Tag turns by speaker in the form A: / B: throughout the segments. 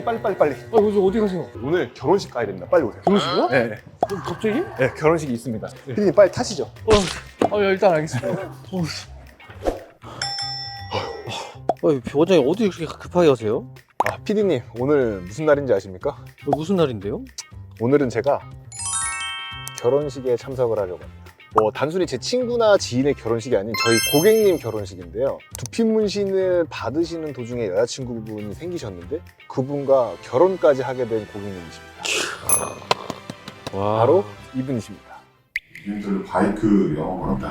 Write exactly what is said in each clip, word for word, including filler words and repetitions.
A: 빨리 빨리 빨리.
B: 아, 요즘 어디 가세요?
A: 오늘 결혼식 가야 됩니다. 빨리 오세요.
B: 결혼식이요?
A: 네,
B: 어, 갑자기?
A: 네 결혼식이 있습니다. 피디님 빨리 타시죠.
B: 어, 어, 야, 일단 알겠습니다. 어,
C: 어, 원장님 어디 그렇게 급하게 가세요?
A: 아 피디님 오늘 무슨 날인지 아십니까?
C: 어, 무슨 날인데요?
A: 오늘은 제가 결혼식에 참석을 하려고 합니다. 뭐 단순히 제 친구나 지인의 결혼식이 아닌 저희 고객님 결혼식인데요. 두피 문신을 받으시는 도중에 여자친구분이 생기셨는데 그분과 결혼까지 하게 된 고객님이십니다.
C: 와.
A: 바로 이분이십니다.
D: 개인적으로 바이크 영업을 한다.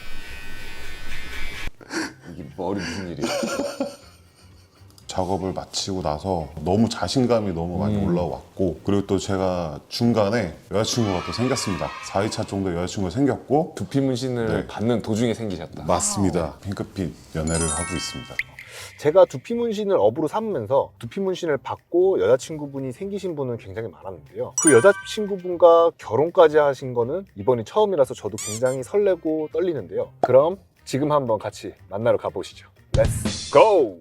E: 이게 머리 무슨 일이야?
D: 작업을 마치고 나서 너무 자신감이 너무 많이
E: 음.
D: 올라왔고, 그리고 또 제가 중간에 여자친구가 또 생겼습니다. 사 회 차 정도 여자친구가 생겼고.
E: 두피 문신을
D: 네.
E: 받는 도중에 생기셨다.
D: 맞습니다. 핑크빛 연애를 하고 있습니다.
A: 제가 두피 문신을 업으로 삼으면서 두피 문신을 받고 여자친구분이 생기신 분은 굉장히 많았는데요. 그 여자친구분과 결혼까지 하신 거는 이번이 처음이라서 저도 굉장히 설레고 떨리는데요. 그럼 지금 한번 같이 만나러 가보시죠. 렛츠 고!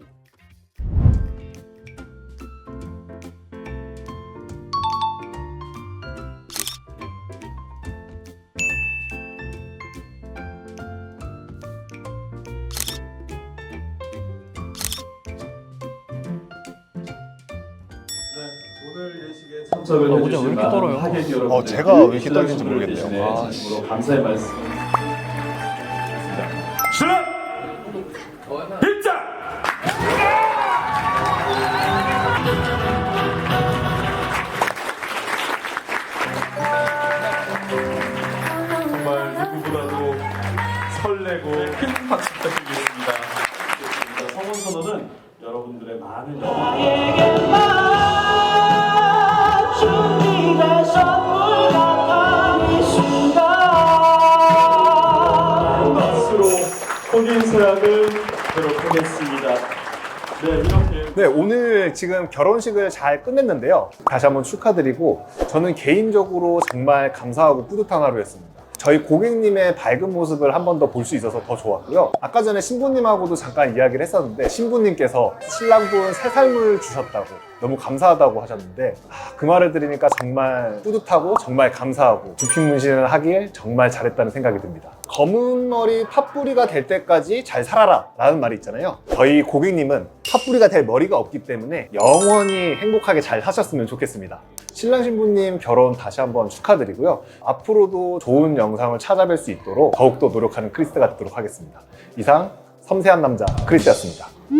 F: 오늘 예식에 참석을
B: 아,
F: 해주신
B: 원장 왜 이렇게
F: 많은
B: 떨어요?
F: 하객 여러분들,
A: 어, 제가 왜 이렇게 떨리는지 모르겠네요.
F: 아, 진심으로 감사의 말씀. 신랑 입장. 정말 누구보다도 설레고 큰 박수 부탁드리겠습니다. 성원 선언은 여러분들의 많은 박수로 혼인 서약을 하도록 하겠습니다. 네, 이렇게.
A: 네, 오늘 지금 결혼식을 잘 끝냈는데요. 다시 한번 축하드리고 저는 개인적으로 정말 감사하고 뿌듯한 하루였습니다. 저희 고객님의 밝은 모습을 한 번 더 볼 수 있어서 더 좋았고요. 아까 전에 신부님하고도 잠깐 이야기를 했었는데 신부님께서 신랑분 새 삶을 주셨다고 너무 감사하다고 하셨는데 아, 그 말을 들으니까 정말 뿌듯하고 정말 감사하고 두피 문신을 하길 정말 잘했다는 생각이 듭니다. 검은 머리 팥뿌리가 될 때까지 잘 살아라 라는 말이 있잖아요. 저희 고객님은 팥뿌리가 될 머리가 없기 때문에 영원히 행복하게 잘 사셨으면 좋겠습니다. 신랑 신부님 결혼 다시 한번 축하드리고요. 앞으로도 좋은 영상을 찾아뵐 수 있도록 더욱더 노력하는 크리스가 되도록 하겠습니다. 이상 섬세한 남자 크리스였습니다.